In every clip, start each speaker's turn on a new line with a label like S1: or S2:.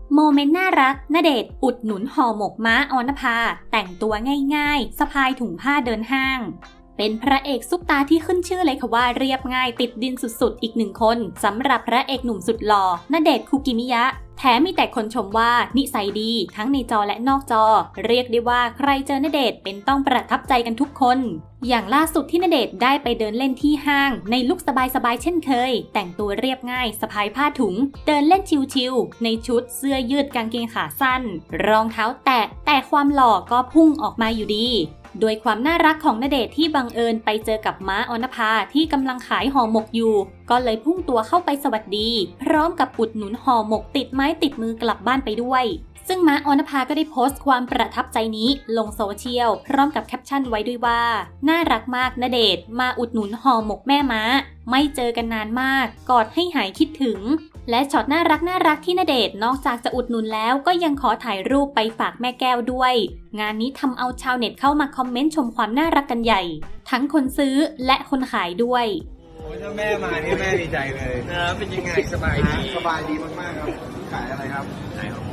S1: โมเมนต์น่ารักณเดชน์อุดหนุนห่อหมกม้าออนภาแต่งตัวง่ายๆสะพายถุงผ้าเดินห้างเป็นพระเอกซุปตาที่ขึ้นชื่อเลยค่ะว่าเรียบง่ายติดดินสุดๆอีกหนึ่งคนสำหรับพระเอกหนุ่มสุดหล่อณเดชน์คุกิมิยะแถมมีแต่คนชมว่านิสัยดีทั้งในจอและนอกจอเรียกได้ว่าใครเจอณเดชน์เป็นต้องประทับใจกันทุกคนอย่างล่าสุดที่ณเดชน์ได้ไปเดินเล่นที่ห้างในลุคสบายๆเช่นเคยแต่งตัวเรียบง่ายสะพายผ้าถุงเดินเล่นชิลๆในชุดเสื้อยืดกางเกงขาสั้นรองเท้าแตะแต่ความหล่อก็พุ่งออกมาอยู่ดีโดยความน่ารักของณเดชน์ที่บังเอิญไปเจอกับม้าออนภาที่กำลังขายห่อหมกอยู่ก็เลยพุ่งตัวเข้าไปสวัสดีพร้อมกับอุดหนุนห่อหมกติดไม้ติดมือกลับบ้านไปด้วยซึ่งม้าออนภาก็ได้โพสต์ความประทับใจนี้ลงโซเชียลพร้อมกับแคปชั่นไว้ด้วยว่าน่ารักมากณเดชน์มาอุดหนุนห่อหมกแม่ม้าไม่เจอกันนานมากกอดให้หายคิดถึงและช็อตน่ารักที่ณเดชน์นอกจากจะอุดหนุนแล้วก็ยังขอถ่ายรูปไปฝากแม่แก้วด้วยงานนี้ทำเอาชาวเน็ตเข้ามาคอมเมนต์ชมความน่ารักกันใหญ่ทั้งคนซื้อและคนขายด้วย
S2: โอ้ยถ้าแม่มานี่แม่ดีใจเลยนะเป็นยังไงสบายดีมากๆครับขายอะไรครับขายของ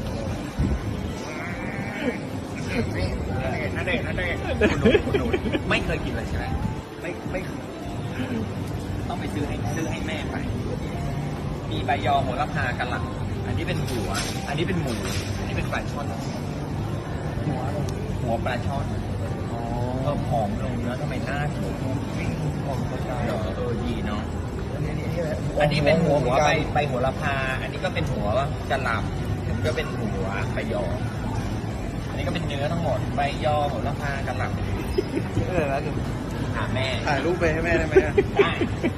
S2: นั่นเองคุณหนูไม่เคยกินเลยใช่ไหมไม่ต้องไปซื้อให้แม่ไปมีใบยอโหระพากะหล่ำอันนี้เป็นหัวอันนี้เป็นหมูอันนี้เป็นปลาช่อนหัวปลาช่อนเพิ่มหอมลงเนื้อทำไมหน้าถูกดีเนาะอันนี้เป็นหัวใบโหระพาอันนี้ก็เป็นหัวกะหล่ำอันนี้ก็เป็นหัวใบยออันนี้ก็เป็นเนื้อทั้งหมดใบยอโหระพากะหล่ำแล้วถามแม่ถ่ายรูปไปให้แม่ได้ไหมได้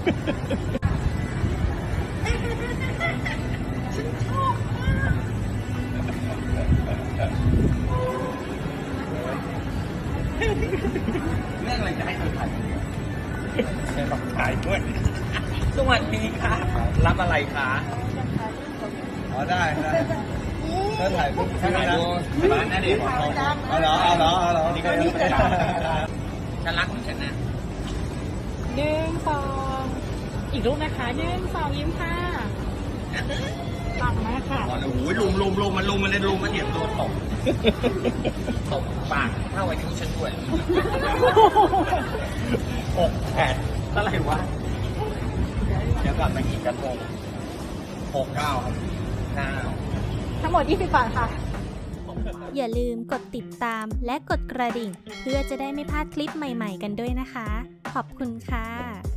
S2: เรื่องอะไรจะให้เธอถ่ายเธอต้องถ่ายด้วยสวัสดีค่ะรับอะไรคะอ๋อได้เธอถ่ายปุ๊บถ่ายดูร้านน่าเด็ดเอาเหรอนี่ก็ดีฉันรักของฉันนะ
S3: 1 2อีกรูปนะคะ1 2ยิ้มค่ะปังมากค่ะ
S2: โอ้โหลุมมันเลยมันเหยียบตัวตกปากเท่าไอ้ที่ฉันด้วย6 8เท่าไหร่วะเดี๋ยวกลับมากี่กระทง6 9
S3: ทั้งหมด20 บาทค่ะ
S1: อย่าลืมกดติดตามและกดกระดิ่งเพื่อจะได้ไม่พลาดคลิปใหม่ๆกันด้วยนะคะขอบคุณค่ะ